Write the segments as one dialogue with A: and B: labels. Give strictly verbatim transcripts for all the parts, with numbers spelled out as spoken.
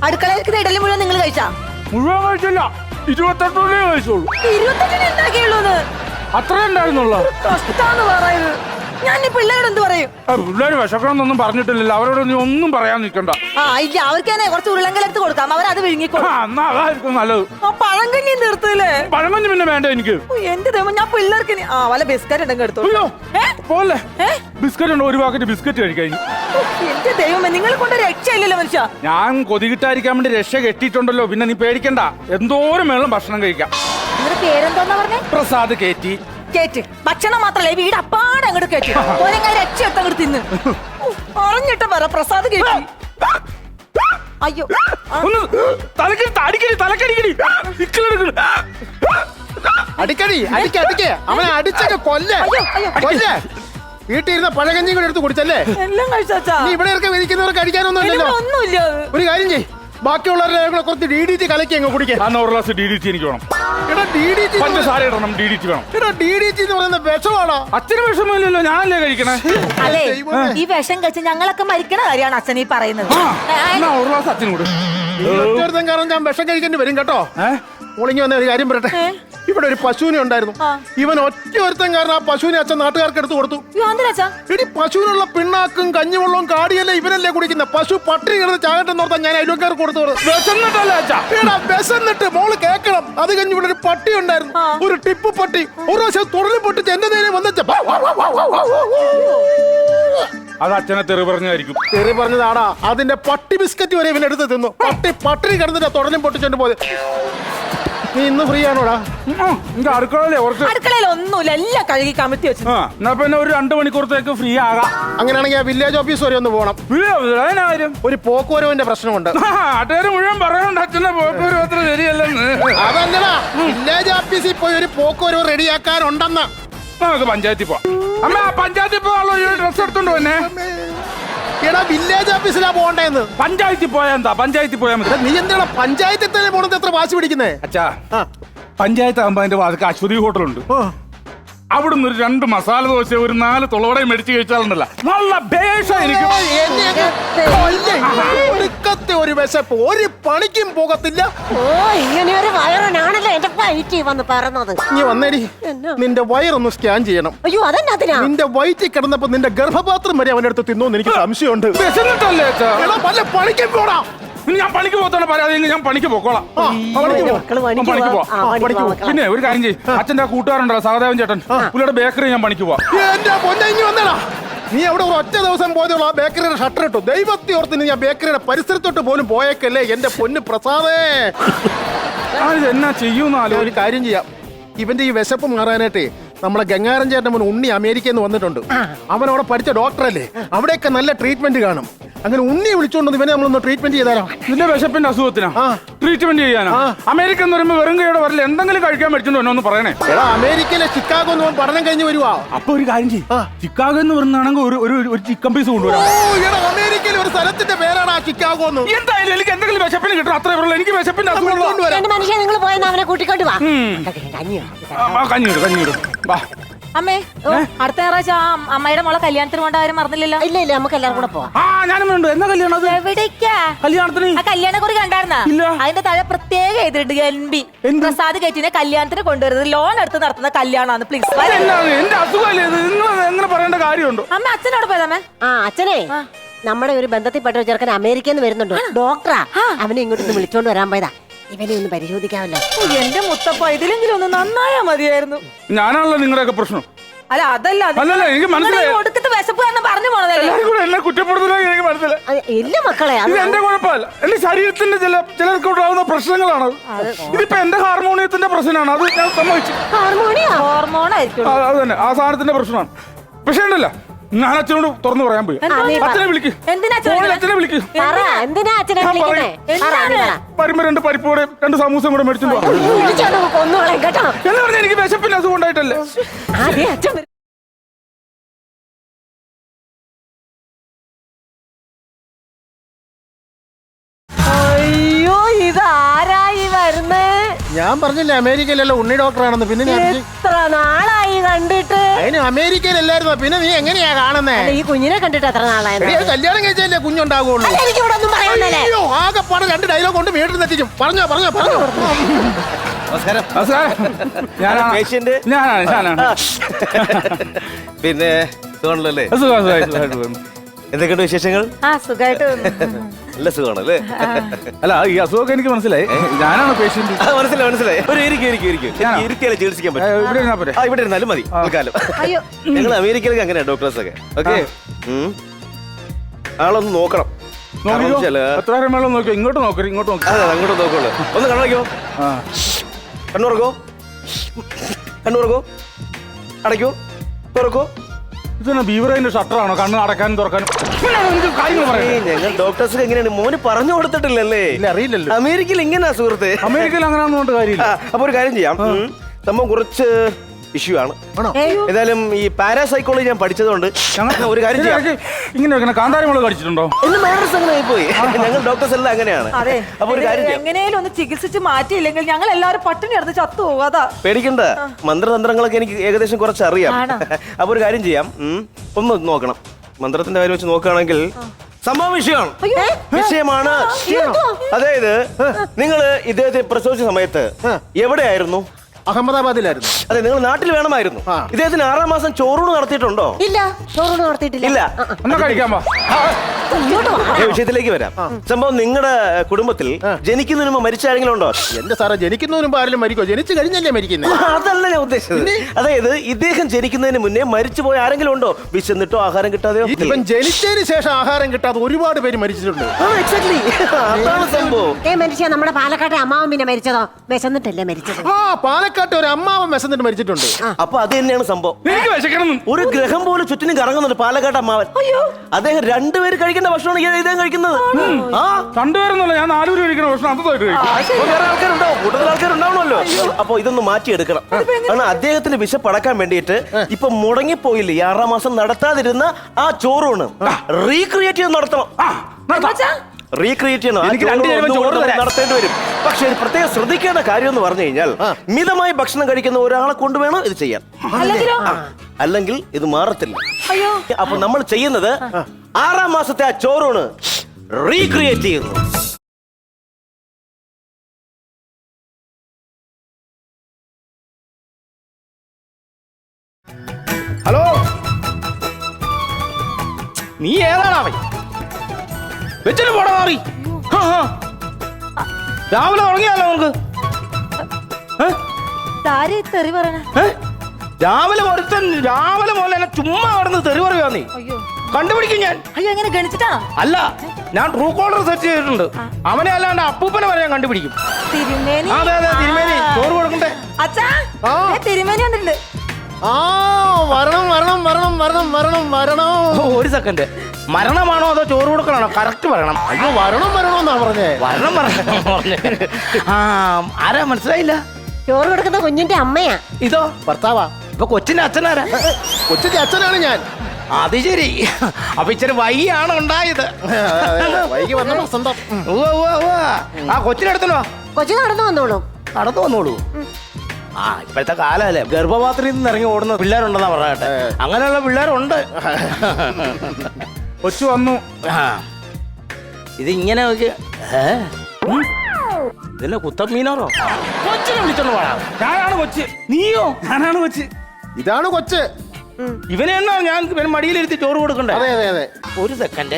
A: അടുക്കളയിൽ ഇഡലി മുഴുവൻ നിങ്ങൾ കഴിച്ചാ?
B: മുഴുവൻ കഴിച്ചില്ല, ഇരുപത്തെട്ടേ കഴിച്ചോളൂ.
A: ഇരുപത്തെട്ടിന് ഉണ്ടാക്കിയുള്ളൂന്ന്
B: അത്ര ഉണ്ടായിരുന്നുള്ള
A: കഷ്ടാന്ന് പറയുന്നത്. ഞാൻ ഈ പിള്ളേരോട് എന്ത് പറയും?
B: പിള്ളേര് വിശക്കണമെന്നൊന്നും പറഞ്ഞിട്ടില്ലല്ലോ, അവരോട് നീ ഒന്നും പറയാൻ നിൽക്കണ്ട.
A: ആ ഇല്ല, അവർക്ക് തന്നെ കുറച്ച് ഉരുളങ്കലെടുത്ത് കൊടുക്കാം, അവരത് വിഴുങ്ങിക്കോളും.
B: എന്നാ അതായിരിക്കും നല്ലത്.
A: ആ പഴങ്കഞ്ഞി നിർത്തില്ലേ?
B: പഴമഞ്ഞ് പിന്നെ വേണ്ട എനിക്ക്.
A: എന്റെ ദൈവം, ഞാൻ പിള്ളേർക്ക് ഇനി- ആ വല്ല ബിസ്ക്കറ്റ് ഉണ്ടെങ്കിൽ എടുത്തു.
B: അയ്യോ പോലെ ബിസ്ക്കറ്റ് ഉണ്ടോ? ഒരു പാക്കറ്റ് ബിസ്ക്കറ്റ് കഴിക്കാൻ.
A: എന്റെ ദൈവമേ, നിങ്ങളെ കൊണ്ട് രക്ഷയില്ലല്ലോ മനുഷ്യ.
B: ഞാൻ കൊതികിട്ടായിരിക്കാൻ വേണ്ടി രക്ഷ കെട്ടിയിട്ടുണ്ടല്ലോ, പിന്നെ നീ പേടിക്കണ്ട, എന്തോരം വേണം ഭക്ഷണം കഴിക്കാം.
A: നിങ്ങളുടെ പേരെന്തോന്നാ പറഞ്ഞേ?
B: പ്രസാദ് കേറ്റി.
A: കേറ്റ് ഭക്ഷണം മാത്രല്ല, ഈ വീട് അപ്പാടെ അങ്ങോട്ട് കേട്ടി രക്ഷ എടുത്ത് അങ്ങോട്ട് തിന്ന്. പറഞ്ഞിട്ട് പറ പ്രസാദ് കേട്ടി. അയ്യോ
B: ഒന്ന് തലക്കടി അടിക്കടി തലക്കടിക്കടി
C: അടിക്കടി അടിക്ക അടിക്കേ അവനെ അടിച്ചൊക്കെ കൊല്ലേ കൊല്ലേ. വീട്ടിൽ ഇരുന്ന പഴകഞ്ഞി കൂടെ എടുത്ത് കുടിച്ചല്ലേ?
A: എല്ലാം കഴിച്ചാ.
C: നീ ഇവിടെ ഇറക്കി വിരിക്കുന്നവർക്ക് അടിക്കാനൊന്നും ഇല്ലല്ലോ.
A: ഒന്നുമില്ല.
C: ഒരു കാര്യം ചെയ്യ്, ബാക്കിയുള്ളവരുടെ കുറച്ച് ഡി ഡി ടി കലക്കി അങ്ങ് കുടിക്കേ.
B: ഒരു ഗ്ലാസ് ഡി ഡി ടി എനിക്ക് വേണം.
C: എടാ ഡി ഡി ടി
B: പഞ്ചസാര ഇടണം, ഡി ഡി ടി വേണം.
C: എടാ ഡി ഡി ടി എന്ന് പറയുന്ന വിഷമാണോ?
B: അച്ഛന് വിഷമമില്ലല്ലോ, ഞാനല്ലേ കഴിക്കണേ.
A: അല്ലേ ഈ വിഷം കഴിച്ച് ഞങ്ങളൊക്കെ മരിക്കണ കാര്യമാണ് അച്ഛൻ ഈ പറയുന്നത്.
B: ഒരു ഗ്ലാസ് അച്ഛനും കൂടെ.
C: കാരണം ഞാൻ വിഷം കഴിക്കേണ്ടി വരും കേട്ടോ. മോളിങ്ങി വന്ന ഒരു കാര്യം പറയട്ടെ, ഇവിടെ ഒരു പശുവിനെ ഉണ്ടായിരുന്നു. ഇവൻ ഒറ്റ ഒരുത്തൻ കാരണം ആ പശുവിനെ അച്ഛൻ നാട്ടുകാർക്ക് എടുത്തു കൊടുത്തു. ഇനി പശുവിനുള്ള പിണ്ണാക്കും കഞ്ഞിവെള്ളവും കാടിയല്ലേ ഇവനല്ലേ കുടിക്കുന്ന. പശു പട്ടിണി കിടന്ന് ചാകട്ടെന്ന് ഓർത്താൻ ഞാൻ അയൽവക്കാർക്ക് കൊടുത്തു. വിശന്നിട്ട് മോള് കേക്കണം. അത് കഴിഞ്ഞ് ഇവിടെ ഒരു പട്ടി ഉണ്ടായിരുന്നു, ഒരു ടിപ്പ് പട്ടി. ഒരു പ്രാവശ്യം തുടർന്ന് പൊട്ടിച്ച് എന്റെ നേരെ വന്നിച്ച.
B: അത് അച്ഛനെ തെറി പറഞ്ഞായിരിക്കും.
C: തെറി പറഞ്ഞതാടാ. അതിന്റെ പട്ടി ബിസ്ക്കറ്റ് വരെ ഇവനെടുത്ത് തിന്നു. പട്ടി പട്ടിണി കിടന്നിട്ട് തുടർന്നും പൊട്ടിച്ചോണ്ട് പോയത്. നീ ഇന്ന് ഫ്രീ ആണോടാ?
B: അടുക്കളയിലെ
A: അടുക്കളയിൽ ഒന്നുമില്ല, എല്ലാം കഴുകി കമത്തി വെച്ചു.
B: എന്നാ പിന്നെ ഒരു രണ്ടു മണിക്കൂറത്തേക്ക് ഫ്രീ ആകാം.
C: അങ്ങനെയാണെങ്കിൽ ആ വില്ലേജ് ഓഫീസ് വരെ ഒന്ന് പോകണം. ഒരു പോക്കുവരവിന്റെ പ്രശ്നമുണ്ട്.
B: നാട്ടുകാർ മുഴുവൻ പറയണ്ട അച്ഛനെ പോക്കുവരവ് അത്ര ശരിയല്ലെന്ന്.
C: അതല്ലടാ, വില്ലേജ് ഓഫീസിൽ പോയി ഒരു പോക്കുവരവ് റെഡിയാക്കാനുണ്ടെന്ന്.
B: നമുക്ക് പഞ്ചായത്തിൽ പോവാം. അമ്മ പഞ്ചായത്തിൽ പോകാനുള്ള ഡ്രസ് എടുത്തോണ്ട് പോന്നെ.
C: എടാ വില്ലേജ് ഓഫീസിലാ പോകണ്ടേന്ന്.
B: പഞ്ചായത്തിൽ പോയാ എന്താ? പഞ്ചായത്തിൽ പോയാൽ മതി.
C: നീ എന്താണ് പഞ്ചായത്തിൽ തന്നെ പോണത്? എത്ര വാശി പിടിക്കുന്നേ?
B: അച്ഛാ പഞ്ചായത്ത് ആകുമ്പോ അതിന്റെ വാതിക്ക് അശ്വതി ഹോട്ടലുണ്ട്. അവിടുന്ന് ഒരു രണ്ട് മസാല ദോശ ഒരു നാല് തുളവടയും മേടിച്ച് കഴിച്ചാലുണ്ടല്ലോ നല്ല ബേഷ. എനിക്ക്
C: ഒരു വിശപ്പ്, ഒരു പണിക്കും പോകത്തില്ല.
D: ഓ ഇങ്ങനെ ഒരു വയറനാണല്ലോ എന്റെ വയറ്റിൽ വന്ന് പറഞ്ഞത്.
C: നീ വന്നേടി, നിന്റെ വയറൊന്ന് സ്കാൻ ചെയ്യണം.
D: അയ്യോ അതെന്നാ?
C: നിന്റെ വയറ്റിൽ കിടന്നപ്പോ നിന്റെ ഗർഭപാത്രം വരെ അവന്റെ അടുത്ത് തിന്നോന്ന് എനിക്ക് സംശയമുണ്ട്.
B: വിശന്നിട്ടല്ലേ അച്ഛാ?
C: വല്ല പണിക്കും പോടാ.
B: ഞാൻ പണിക്ക് പോകത്തോളം പറയാതെ ഞാൻ പണിക്ക് പോക്കോളാം. പിന്നെ ഒരു കാര്യം ചെയ്യും, അച്ഛൻ്റെ ആ കൂട്ടുകാരുണ്ടല്ലോ സഹദേവൻ ചേട്ടൻ, പുള്ളിയുടെ ബേക്കറി ഞാൻ പണിക്ക് പോവാം.
C: എന്റെ പൊന്നെ ഇനി വന്നടാ. നീ അവിടെ ഒരു ഒറ്റ ദിവസം പോയതുള്ളൂ ആ ബേക്കറിയുടെ ഷട്ടർ ഇട്ടു. ദൈവത്തെ ഓർത്തിന് ഞാൻ ബേക്കറിയുടെ പരിസരത്തോട്ട് പോലും പോയേക്കല്ലേ എന്റെ പൊന്ന് പ്രസാദേ.
B: എന്നാ ചെയ്യൂന്നാലോ.
C: ഒരു കാര്യം ചെയ്യാം, ഇവന്റെ ഈ വിശപ്പ് മാറാനായിട്ടേ നമ്മളെ ഗംഗാരൻ ചേട്ടൻ മോൻ ഉണ്ണി അമേരിക്കയിൽ നിന്ന് വന്നിട്ടുണ്ട്. അവൻ അവിടെ പഠിച്ച ഡോക്ടറല്ലേ, അവിടെയൊക്കെ നല്ല ട്രീറ്റ്മെന്റ് കാണും. അങ്ങനെ ഉണ്ണി വിളിച്ചോണ്ട് ഇവനെ നമ്മളൊന്ന് ട്രീറ്റ്മെന്റ് ചെയ്താലോ?
B: നിന്റെ വിശപ്പിന്റെ അസുഖത്തിനാ ട്രീറ്റ്മെന്റ് ചെയ്യാനാ? അമേരിക്ക എന്ന് പറയുമ്പോ വെറും കൈയോടെ വരില്ല, എന്തെങ്കിലും കഴിക്കാൻ പറ്റുന്നോ എന്നൊന്ന് പറയണേ.
C: എടാ അമേരിക്കയിലെ ചിക്കാഗോ എന്ന് പഠനം കഴിഞ്ഞ് വരുവാ.
B: അപ്പൊ ഒരു കാര്യം ചെയ്യും, ചിക്കാഗോ എന്ന് പറയുന്നതാണെങ്കിൽ ഒരു ഒരു ചിക്കൻ പീസ് കൊണ്ടുവരാം.
C: അമേരിക്കയിലെ ഒരു സ്ഥലത്തിന്റെ പേരാണ് ആ ചിക്കാഗോ എന്ന്.
B: എന്തായാലും എനിക്ക് എന്തെങ്കിലും വിശപ്പിന് കിട്ടും, അത്രേ ഉള്ളൂ. എനിക്ക് വിശപ്പിന്റെ അസുഖം
D: മനുഷ്യൻ നിങ്ങൾ പോയെന്ന് അവനെ കൂട്ടിക്കൊണ്ട് വാ.
B: കഞ്ഞിടും കഞ്ഞിടും വാ.
A: അമ്മേ അടുത്ത ഞായറാഴ്ച അമ്മയുടെ മോളെ കല്യാണത്തിന് കൊണ്ട് ആരും മറന്നില്ലല്ലോ.
D: ഇല്ല ഇല്ല നമുക്ക് എല്ലാവരും കൂടെ പോവാം.
B: ആ ഞാനും ഉണ്ട്. എന്നാ കല്യാണം?
A: എവിടേക്കാ
B: കല്യാണത്തിന്?
A: ആ കല്യാണ കുറി കണ്ടായിരുന്ന? അതിന്റെ താഴെ പ്രത്യേകം എഴുതിട്ടുണ്ട് എൻ ബി പ്രസാദ് കേറ്റിനെ കല്യാണത്തിന് കൊണ്ടുവരുന്നത് ലോൺ എടുത്ത് നടത്തുന്ന കല്യാണമാണ്. പ്ലീസ്.
B: എന്റെ അസുഖമല്ലേ ഇത്, എങ്ങനെ പറയേണ്ട കാര്യമുണ്ടോ?
A: അമ്മ അച്ഛനോട് പോയതമ്മേ.
D: ആ അച്ഛനെ നമ്മുടെ ഒരു ബന്ധത്തിൽപ്പെട്ട ഒരു ചെറുക്കൻ അമേരിക്കയിൽ നിന്ന് വരുന്നുണ്ട്, ഡോക്ടറാ. അവനെ ഇങ്ങോട്ട് വിളിച്ചോണ്ട് വരാൻ പോയതാ. ഇവനെ ഒന്ന് പരിശോധിക്കാമല്ലോ.
A: എന്റെ മുത്തപ്പ ഇതിലെങ്കിലും ഒന്ന് നന്നായാ മതിയായിരുന്നു.
B: ഞാനാണല്ലോ നിങ്ങളുടെയൊക്കെ പ്രശ്നം.
A: അല്ല അതല്ല,
B: എനിക്ക് മനസ്സിലായി.
A: ഒടുക്കത്തെ വിശപ്പ് കാരണം പറഞ്ഞു പോണതല്ലേ.
B: എന്നെ കുറ്റപ്പെടുത്തലെങ്കിൽ എനിക്ക് മനസ്സിലായി.
D: ഇല്ല മക്കളെ,
B: ഇത് എന്റെ കുഴപ്പമല്ല, എന്റെ ശരീരത്തിന്റെ ചില ചിലർക്ക് ഉണ്ടാകുന്ന പ്രശ്നങ്ങളാണ്. ഇതിപ്പോ എന്റെ ഹാർമോണിയത്തിന്റെ പ്രശ്നമാണ്, അത് ഞാൻ സമ്മതിച്ചു.
A: ഹോർമോണായിരിക്കും
B: അത് തന്നെ, ആ സാധനത്തിന്റെ പ്രശ്നമാണ്. പക്ഷേ ഉണ്ടല്ലോ, ഞാൻ അച്ഛനോട് തുറന്നു പറയാൻ പോയി. അച്ഛനെ വിളിക്ക്, അച്ഛനെ വിളിക്ക്. വരുമ്പോ രണ്ട് പരിപ്പോടെ രണ്ട് സമൂസം കൂടെ മേടിച്ചോണ്ട് എന്ന് പറഞ്ഞാൽ എനിക്ക് വിശപ്പിന്റെ അസുഖം ഉണ്ടായിട്ടല്ലേ.
A: അയ്യോ ഇതാരായി വരുന്നേ?
C: ഞാൻ പറഞ്ഞില്ലേ അമേരിക്കയിലല്ല ഉണ്ണി ഡോക്ടറാണെന്ന്. പിന്നെ
D: എത്ര നാളായി കണ്ടിട്ട്?
C: അതിന് അമേരിക്കയിലല്ലായിരുന്നു, പിന്നെ നീ എങ്ങനെയാ കാണുന്നേ?
D: ഈ കുഞ്ഞിനെ കണ്ടിട്ട് എത്ര നാളായി?
C: കല്യാണം കഴിച്ചല്ലേ കുഞ്ഞുണ്ടാകുള്ളൂ.
D: എനിക്ക് ഇവിടെ ഒന്നും പറയാനല്ലേ.
C: ആകെ ആകപ്പാടെ രണ്ട് ഡയലോഗ് കൊണ്ട് വീട്ടിൽ എത്തിക്കും. പറഞ്ഞോ പറഞ്ഞോ പറഞ്ഞോ.
E: നമസ്കാരം.
B: ഞാനാണ്
E: പേഷ്യന്റ്.
B: ഞാനാണ് ഞാനാണ്
E: പിന്നെ സുഖമാണല്ലോ അല്ലേ?
B: സുഖം, സുഖം, സുഖമായിട്ട് പോകുന്നു.
E: എന്തൊക്കെയുണ്ട് വിശേഷങ്ങൾ?
A: ആ സുഖമായിട്ട്
E: നല്ല സുഖമാണല്ലേ?
B: അല്ല ഈ അസുഖമൊക്കെ എനിക്ക് മനസ്സിലായി. ഞാനാണ് പേഷ്യന്റ്.
E: ആ, മനസ്സിലായി മനസ്സിലായി. ഒരു ഇരിക്കും ഇരിക്കും ഇരിക്കും ഇരുത്തിയാലേ ചികിത്സിക്കാൻ പറ്റും.
B: ഇവിടെ ഇരുന്നാ പോരെ?
E: ആ ഇവിടെ ഇരുന്നാലും മതി തൽക്കാലം.
A: അയ്യോ
E: നിങ്ങൾ അമേരിക്കയിലൊക്കെ അങ്ങനെയാ ഡോക്ടേഴ്സ് ഒക്കെ. ഓക്കെ, ആളൊന്ന് നോക്കണം. കാരണം
B: നോക്കിക്കോ.
E: വെച്ചാല്
B: എത്ര നേരം വേണം നോക്കിയോ? ഇങ്ങോട്ട് നോക്കരുത്, ഇങ്ങോട്ട് നോക്കി.
E: അതെ അങ്ങോട്ട് നോക്കുള്ളൂ. ഒന്ന് കണ്ണടയ്ക്കോ.
B: ആ
E: കണ്ണുറക്കോ, കണ്ണുറക്കോ, അടയ്ക്കോ, തുറക്കോ.
B: ഇതന്നെ ബീവറേന്റെ ഷട്ടറാണോ കണ്ണ് അടക്കാനും തുറക്കാനും? ഇങ്ങനെയാണോ എനിക്ക് കാര്യങ്ങൾ പറയുന്നത്?
E: ഞങ്ങൾ ഡോക്ടേഴ്സ് എങ്ങനെയാണ് മോന് പറഞ്ഞു കൊടുത്തിട്ടില്ലല്ലേ?
C: ഇല്ല, അറിയില്ലല്ലോ.
E: അമേരിക്കയിൽ ഇങ്ങനെയാ സുഹൃത്തെ.
B: അമേരിക്കയിൽ അങ്ങനെ ഒന്നും കൊണ്ട് കാര്യമില്ല.
E: ആ, അപ്പൊ ഒരു കാര്യം ചെയ്യാം. ഉം. സംഭവം കുറച്ച് ഇഷ്യൂ ആണ്.
C: ആണോ?
E: ഏതായാലും ഈ പാരാസൈക്കോളജി ഞാൻ പഠിച്ചതുകൊണ്ട് ഒരു കാര്യം ചെയ്യാം.
B: ഇങ്ങനെ വെക്കണ കാന്താരി മുളക് കടിച്ചിട്ടുണ്ടോ?
E: എന്ന് മാനസ് അങ്ങനെ ആയിപ്പോയി. ഞങ്ങൾ ഡോക്ടേഴ്സ് എല്ലാം അങ്ങനെയാണ്.
A: അതെ
E: അപ്പൊ ഒരു കാര്യം ചെയ്യാം.
A: എങ്ങനെയും ഒന്ന് ചികിത്സിച്ച് മാറ്റിയില്ലെങ്കിൽ ഞങ്ങൾ എല്ലാവരും പട്ടിണി എടുത്ത് ചത്തു പോകും. അതാ
E: പേടിക്കണ്ട, മന്ത്രതന്ത്രങ്ങളൊക്കെ എനിക്ക് ഏകദേശം കുറച്ച് അറിയാം. അപ്പൊ ഒരു കാര്യം ചെയ്യാം. ഉം. ഒന്ന് നോക്കണം. മന്ത്രത്തിന്റെ കാര്യം വെച്ച് നോക്കുകയാണെങ്കിൽ സംഭവം വിഷയമാണ്. വിഷയമാണ്. അതായത് നിങ്ങൾ ഇദ്ദേഹത്തെ പ്രസവിച്ച സമയത്ത് എവിടെയായിരുന്നു?
C: അഹമ്മദാബാദിലായിരുന്നു.
E: അതെ, നിങ്ങൾ നാട്ടിൽ വേണമായിരുന്നു. ഇദ്ദേഹത്തിന് ആറാം മാസം ചോറൂണ് നടത്തിയിട്ടുണ്ടോ?
D: ഇല്ല, ചോറൊന്നും നടത്തിയിട്ടില്ല.
E: ഇല്ല.
B: എന്നാ കഴിക്കാൻ പോ.
E: ഈ വിഷയത്തിലേക്ക് വരാം. സംഭവം നിങ്ങളുടെ കുടുംബത്തിൽ ജനിക്കുന്നതിന് മുമ്പ് മരിച്ച ആരെങ്കിലും ഉണ്ടോ?
C: എന്റെ സാറേ, ജനിക്കുന്നതിന് മുമ്പ് ആരെങ്കിലും മരിക്കോ? ജനിച്ചു കഴിഞ്ഞല്ലേ മരിക്കുന്നത്?
E: അതല്ല ഞാൻ ഉദ്ദേശിച്ചത്. അതായത് ഇദ്ദേഹം ജനിക്കുന്നതിന് മുന്നേ മരിച്ചു പോയ ആരെങ്കിലും ഉണ്ടോ? വിശന്നിട്ടോ ആഹാരം കിട്ടാതെയോ?
C: ഇപ്പം ജനിച്ചതിന് ശേഷം ആഹാരം കിട്ടാതെ ഒരുപാട് പേര് മരിച്ചിട്ടുണ്ട്.
E: എക്സാക്ട്ലി, അതാണ് സംഭവം.
D: ഏ മനുഷ്യ, നമ്മുടെ പാലക്കാട്ടെ അമ്മാവൻ പിന്നെ മരിച്ചതോ? വിശന്നിട്ടല്ലേ മരിച്ചത്?
C: ആ പാലക്കാട്ട് ഒരു അമ്മാവൻ വിശന്നിട്ട് മരിച്ചിട്ടുണ്ട്.
E: അപ്പൊ അത് തന്നെയാണ് സംഭവം.
B: എനിക്ക് വിശക്കണം.
E: ഒരു ഗ്രഹം പോലും ചുറ്റിനും കറങ്ങുന്നുണ്ട് പാലക്കാട് അമ്മാവൻ. അദ്ദേഹം രണ്ടുപേര് കഴിക്കേണ്ട ഭക്ഷണമാണ് ഈ ഇദ്ദേഹം കഴിക്കുന്നത്. ആ
B: രണ്ടുപേരൊന്നുമല്ല, ഞാൻ നാലുപേര് കഴിക്കുന്ന ഭക്ഷണം അന്തമായിട്ട് കഴിക്കും.
E: അപ്പൊ വേറെ ആൾക്കാരുണ്ടാവും, കൂടുതൽ ആൾക്കാരുണ്ടാവണമല്ലോ. അപ്പൊ ഇതൊന്ന് മാറ്റിയെടുക്കണം. കാരണം അദ്ദേഹത്തിന് വിശപ്പടക്കാൻ വേണ്ടിയിട്ട് ഇപ്പൊ മുടങ്ങിപ്പോയില്ലേ ഈ ആറാം മാസം നടത്താതിരുന്ന ആ ചോറൂണ് റീക്രിയേറ്റ് ചെയ്ത് നടത്തണം. റീക്രിയേറ്റ് ചെയ്യണം. ആ
B: എനിക്ക് രണ്ട്
E: ചോറ്
B: നേരം
E: ഒന്നുകൂടെ
B: ചോറ് തരാം.
E: നടത്തേണ്ടി വരും. പക്ഷെ ഇത് പ്രത്യേകം ശ്രദ്ധിക്കേണ്ട കാര്യം എന്ന് പറഞ്ഞു കഴിഞ്ഞാൽ മിതമായി ഭക്ഷണം കഴിക്കുന്ന ഒരാളെ കൊണ്ടുവേണം ഇത് ചെയ്യാൻ.
A: അല്ലെങ്കിലോ?
E: അല്ലെങ്കിൽ ഇത് മാറത്തില്ല.
A: അയ്യോ
E: അപ്പൊ നമ്മൾ ചെയ്യുന്നത് ആറാം മാസത്തെ ആ ചോറൂണ് റീക്രിയേറ്റ് ചെയ്യുന്നു.
F: ഹലോ, നീ ഏതാണാ വെച്ചിട്ട് പോടാ മാറി. രാവിലെ തുടങ്ങിയാലോ നമുക്ക്?
A: താരി തെറി പറയണ.
F: ഏ? രാവിലെ ഒരുത്തൻ രാവിലെ പോലെ എന്നെ ചുമ്മാ കിടന്ന് തെറി പറയുക നീ.
A: അയ്യോ
F: കണ്ടുപിടിക്കും ഞാൻ.
A: അയ്യോ എങ്ങനെ ഗണിച്ചിട്ടാണോ?
F: അല്ല, ഞാൻ ട്രൂ കോളർ സെർച്ച് ചെയ്തിട്ടുണ്ട്. അവനെ അല്ലാണ്ട് അപ്പൂപ്പനെ വരെ ഞാൻ കണ്ടുപിടിക്കും.
A: തിരുമേനി.
F: അതെ അതെ, തിരുമേനി ചോറ് കൊടുക്കണ്ടേ?
A: അച്ഛാ
C: ആ.
A: ദേ തിരുമേനി വന്നിട്ടുണ്ട്.
C: ആ വരണം വരണം വരണം വരണം വരണം വരണം.
F: ഓ, ഒരു സെക്കൻഡ്. മരണമാണോ അതോ ചോറ് കൊടുക്കണോ? കറക്റ്റ് പറയണം.
C: അയ്യോ വരണം വരണമെന്നാ പറഞ്ഞേ.
F: വരണം പറയണം. ആ, ആരാ മനസ്സിലായില്ല?
D: ചോറ് കൊടുക്കുന്ന കുഞ്ഞിന്റെ അമ്മയാ.
F: ഇതോ
C: ഭർത്താവാ.
F: ഇപ്പൊ കൊച്ചിന്റെ അച്ഛനാരാ?
C: കൊച്ചിന്റെ അച്ഛനാണ് ഞാൻ.
F: അത് ശരി. അപ്പൊ ഇച്ചിരി വൈകിയാണ് ഉണ്ടായത്.
C: വൈകി വന്ന വസന്തം.
F: ഉവ്വ, ഉവ്വ, ഉവ്വ. ആ കൊച്ചിനെടുത്തോ?
D: കൊച്ചു നടന്നു വന്നോളൂ.
F: നടന്നു വന്നോളൂ. ആ, ഇപ്പോഴത്തെ കാലല്ലേ, ഗർഭപാത്രത്തിൽ നിന്ന് ഇറങ്ങി ഓടുന്ന പിള്ളേരുണ്ടെന്നാ പറയട്ടെ. അങ്ങനെയുള്ള പിള്ളേരുണ്ട്.
B: കൊച്ചു വന്നു.
F: ആ, ഇത് ഇങ്ങനെ നോക്കി. ഏ? ഉം? ഇതിന്റെ കുത്തമ്മീനോറോ? കൊച്ചിനെ വിളിച്ചോണ്ട് പോടാ.
B: ഞാനാണ് കൊച്ച്.
F: നീയോ?
B: ഞാനാണ് കൊച്ച്.
C: ഇതാണ് കൊച്ച്.
F: ഇവനെ എന്നാ ഞാൻ ഇവന് മടിയിലിരുത്തി ചോറ് കൊടുക്കണ്ടേ?
C: അതെ അതെ അതെ.
F: ഒരു സെക്കൻഡ്.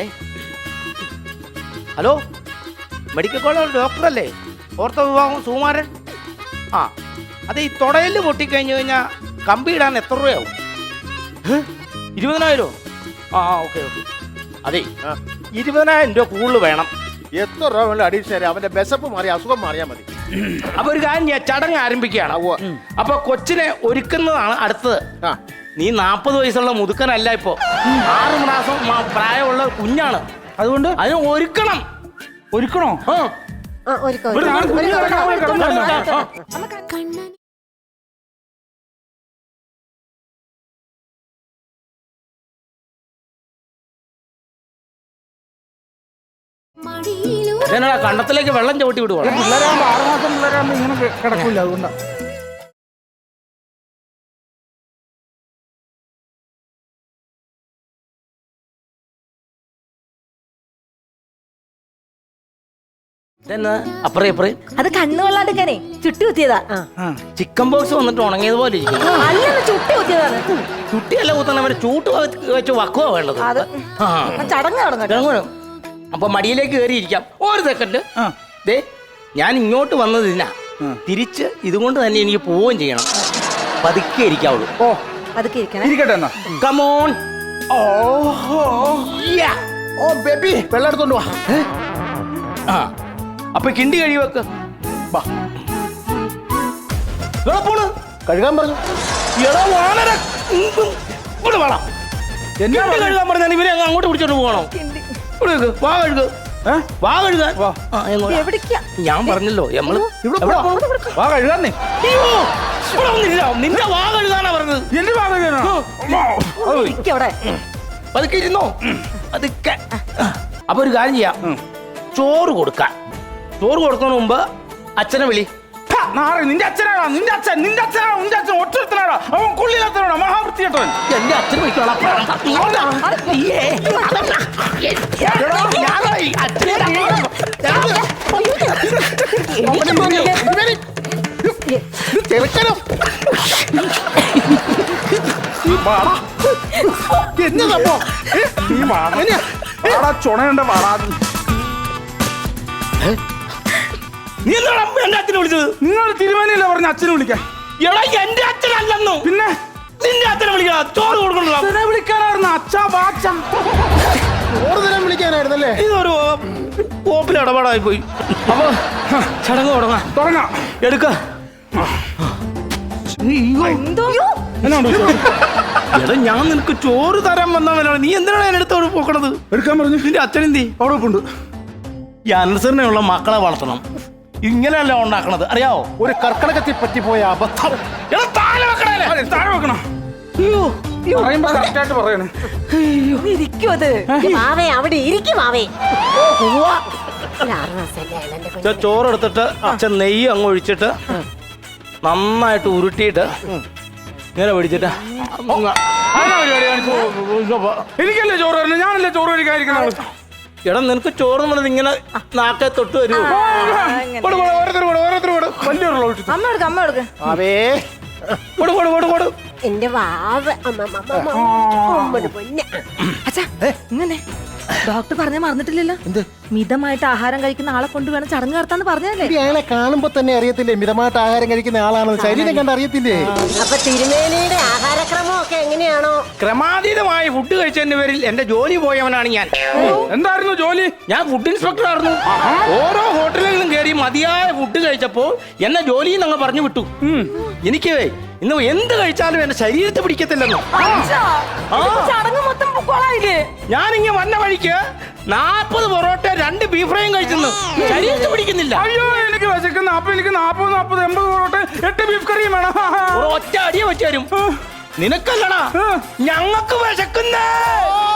F: ഹലോ, മെഡിക്കൽ കോളേജ് ഡോക്ടറല്ലേ? ഓർത്തോ വിഭാഗം സുകുമാരൻ? ആ, അത് ഈ തുടയിൽ പൊട്ടിക്കഴിഞ്ഞു കഴിഞ്ഞാൽ കമ്പി ഇടാൻ എത്ര രൂപയാവും? ഇരുപതിനായിരോ? ആ ആ ഓക്കെ ഓക്കെ. അതെ, ഇരുപതിനായിരം രൂപ കൂടുതൽ വേണം.
C: എത്ര രൂപ വേണം അഡീഷണൽ? അവന്റെ ബെസപ്പ് മാറി അസുഖം മാറിയാ മതി.
F: അപ്പൊ ഒരു കാര്യം ഞാൻ ചടങ്ങ് ആരംഭിക്കുകയാണ്. അപ്പൊ കൊച്ചിനെ ഒരുക്കുന്നതാണ് അടുത്തത്.
C: ആ.
F: നീ നാപ്പത് വയസ്സുള്ള മുതുക്കനല്ല, ഇപ്പോ ആറ് മാസം മ- പ്രായമുള്ള കുഞ്ഞാണ്. അതുകൊണ്ട് അതിനെ ഒരുക്കണം.
B: ഒരുക്കണോ?
F: ആ,
D: ആ, ഒരുക്കോ,
B: ഇവിടെ ഞാൻ
D: ഒരുക്കോ,
B: കുഞ്ഞിനെ
D: ഒരുക്കോ,
B: കിടക്കാൻ
D: ഒരുക്കോ,
B: പറ്റില്ല.
D: ഒരുക്കോ.
F: ഇതെന്നാ കണ്ടത്തിലേക്ക് വെള്ളം ചവിട്ടി വിടുവാ?
B: പിള്ളേരാകുമ്പോ ആറുമാസം പിള്ളേരാകുമ്പോ ഇങ്ങനെ കിടക്കൂല, അതുകൊണ്ടാ.
F: ഇതെന്നാ അപ്പറേ അപ്പറേ
A: അത് കണ്ണു കൊള്ളാണ്ടിരിക്കാനേ ചുട്ടി കുത്തിയതാ
F: ചിക്കൻ ബോക്സ് വന്നിട്ട് ഉണങ്ങിയതുപോലെ ഇരിക്കുന്നു.
A: അല്ലെന്ന് ചുട്ടി കുത്തിയതാണ്.
F: ചുട്ടിയല്ല കുത്തണം, അവരെ ചൂട്ട് വെച്ച് വക്കുവാ വേണ്ടത്.
A: അത്
F: ആ
A: ആ ചടങ്ങ് നടന്നു.
F: ഇറങ്ങണം. അപ്പൊ മടിയിലേക്ക് കയറിയിരിക്കാം. ഒരു സെക്കൻഡ്. ദേ ഞാൻ ഇങ്ങോട്ട് വന്നതിനാ തിരിച്ച് ഇതുകൊണ്ട് തന്നെ എനിക്ക് പോവുകയും ചെയ്യണം. പതുക്കെ ഇരിക്കാവുള്ളൂ.
B: ഓ
A: അതൊക്കെ ഇരിക്കണേ.
B: ഇരിക്കട്ടെ എന്നാ.
F: കമോൺ.
C: ഓ ഓ ബേബി വെള്ളം എടുത്തോണ്ട് വാ.
F: ആ അപ്പൊ കിണ്ടി കഴി വെക്ക്.
C: വാ.
F: എവിടെ പോണ്?
C: കഴുകാൻ പറഞ്ഞു.
F: എടാ വാനര, ഇവിടെ വേണം.
B: എന്നാ
F: കിണ്ടി കഴുകാൻ പറഞ്ഞാൽ ഇവരെ അങ്ങ് അങ്ങോട്ട് പിടിച്ചോണ്ട് പോകണം. ഇവിടെ വെക്ക്. വാ കഴുക. വാ കഴുകാൻ. ആ, എങ്ങോട്ടാ?
A: എവിടേക്കാ?
F: ഞാൻ പറഞ്ഞല്ലോ നമ്മള്
C: ഇവിടെ
F: എവിടെ
C: പോ.
F: പോണു?
B: വാ കഴുകാന്നേ.
F: അയ്യോ, ഇവിടെ വന്നില്ല. നിന്റെ വാ കഴുകാനാ പറഞ്ഞത്.
B: എന്റെ ഭാഗം
A: ഇരിക്കവിടെ.
F: പതുക്കെ ഇരുന്നോ. പതുക്കെ. അപ്പൊ ഒരു കാര്യം ചെയ്യാം. ചോറ് കൊടുക്കാൻ. ചോറ് കൊടുക്കുന്നതിന് മുമ്പ് അച്ഛനെ വിളി.
B: നാളെ നിന്റെ അച്ഛനാണോ? നിന്റെ അച്ഛൻ നിന്റെ അച്ഛനാണോ? നിന്റെ അച്ഛൻ ഒറ്റത്തനാണോ? അവൻ കൊള്ളില്ലാത്തവനാണോ? മഹാവൃത്തിയേട്ടവൻ.
F: എന്റെ അച്ഛനെ വിളിക്കണം.
C: ചെറുക്കനോ എന്നതപ്പോ
B: നീ വാടാ. വാടാ, ചുണയുണ്ട വാടാ.
F: നീ എന്താണ് എന്റെ അച്ഛനെ വിളിച്ചത്?
B: നിങ്ങൾ തിരുമേനിയല്ലേ പറഞ്ഞ അച്ഛനെ വിളിക്കാൻ?
F: എടാ എന്റെ അച്ഛനല്ലെന്നു.
B: പിന്നെ
F: നിന്റെ അച്ഛനെ വിളിക്കണം. ചോറ് കൊടുക്കണോ?
B: അച്ഛനെ വിളിക്കാനായിരുന്നു. അച്ഛാ വാച്ച.
C: ഓറ് തരം വിളിക്കാനായിരുന്നല്ലേ?
F: ഇതൊരു കോപ്പിൽ ഇടപാടായി പോയി. അപ്പൊ ചടങ്ങ് തുടങ്ങാം.
B: തുടങ്ങാം.
F: എടുക്ക.
A: എന്തോ
B: എന്നാണ്ട്
F: എടാ ഞാൻ നിനക്ക് ചോറ് തരാൻ വന്നവനാണ്. നീ എന്തിനാണ് എന്റെ അടുത്തോട് പോക്കണത്?
B: എടുക്കാൻ പറഞ്ഞു.
F: നിന്റെ അച്ഛനെന്തി?
B: അവിടെ ഉണ്ട്.
F: ഈ അനുസരണയുള്ള മക്കളെ വളർത്തണം. ഇങ്ങനെയല്ല ഉണ്ടാക്കണത്, അറിയാവോ?
C: ഒരു കർക്കടകത്തിൽ പറ്റിപ്പോയ അബദ്ധം.
F: എടാ താഴെ വെക്കണേ.
B: അതെ, താഴെ വെക്കണം. പറയുമ്പോ കറക്റ്റായിട്ട് പറയണേ.
A: ഇരിക്കും അത്.
D: വാവേ അവിടെ ഇരിക്കും വാവേ. ഒരു ആറ് മാസമല്ലേ ആയുള്ളൂ എൻ്റെ കുഞ്ഞ്.
F: ചോറ് എടുത്തിട്ട് അച്ഛൻ നെയ്യ് അങ്ങ് ഒഴിച്ചിട്ട് നന്നായിട്ട് ഉരുട്ടിയിട്ട് ഇങ്ങനെ പിടിച്ചിട്ട്
B: അതിനാ പരിപാടി കാണിച്ചു. എനിക്കല്ലേ ചോറ് തരണം? ഞാനല്ലേ ചോറ് കഴിക്കാതിരിക്കുന്ന ആള്.
F: എടാ നിനക്ക് ചോറ് നമ്മളത് ഇങ്ങനെ നാക്കെ തൊട്ട് വരുമോ?
B: കൊടു, കൊടു, ഓരോരുത്തർ കൊടു, ഓരോരുത്തർ കൊടു. വലിയൊരു ഒഴിച്ചു.
A: അമ്മ എടുക്ക അമ്മ എടുക്ക.
C: അവേ
F: കൊടു കൊടു കൊടു കൊടു.
D: എന്റെ വാവ അമ്മ, അമ്മ, അമ്മ, അമ്മ. ഉമ്മയുടെ പൊന്നെ.
A: അച്ഛാ ഇങ്ങനെ ഡോക്ടർ പറഞ്ഞ മറന്നിട്ടില്ലല്ലോ. മിതമായിട്ട് ആഹാരം കഴിക്കുന്ന ആളെ കൊണ്ട് വേണം ചടങ്ങ് നടത്താന്ന് പറഞ്ഞല്ലേ?
C: ഈ അയാളെ കാണുമ്പോ തന്നെ അറിയത്തില്ലേ മിതമായിട്ട് ആഹാരം കഴിക്കുന്ന ആളാണെന്ന്? ശരീരം കണ്ട് അറിയത്തില്ലേ?
D: അപ്പൊ തിരുമേനിയുടെ ആഹാരക്രമം ഒക്കെ എങ്ങനെയാണോ?
F: ക്രമാതീതമായ ഫുഡ് കഴിച്ചതിന്റെ പേരിൽ എന്റെ ജോലി പോയവനാണ് ഞാൻ.
B: എന്തായിരുന്നു ജോലി?
F: ഞാൻ ഫുഡ് ഇൻസ്പെക്ടർ ആയിരുന്നു. ഓരോ ഹോട്ടലുകളിലും കയറി മതിയായ ഫുഡ് കഴിച്ചപ്പോൾ എന്നെ ജോലിയിൽ നിന്ന് പറഞ്ഞു വിട്ടു. എനിക്ക് ഇന്ന് എന്ത് കഴിച്ചാലും എന്റെ ശരീരത്തെ പിടിക്കത്തില്ലെന്നോ.
A: അച്ഛാ, ഇതിപ്പോ ചടങ്ങ് മൊത്തം പൊക്കോളായില്ലേ?
F: ഞാനിങ്ങനെ വന്ന വഴിക്ക് നാപ്പത് പൊറോട്ട രണ്ട് ബീഫ് ഫ്രൈയും കഴിച്ചെന്ന് ശരീരത്തെ പിടിക്കുന്നില്ല.
B: അയ്യോ എനിക്ക് വിശക്കുന്ന. അപ്പൊ എനിക്ക് നാപ്പത് നാപ്പത് എൺപത് പൊറോട്ട എട്ട് ബീഫ് കറിയും വേണം.
F: ഒരു ഒറ്റ അടിയെ വെച്ചു തരും. നിനക്കല്ലടാ, ഞങ്ങൾക്ക് വിശക്കുന്നേ.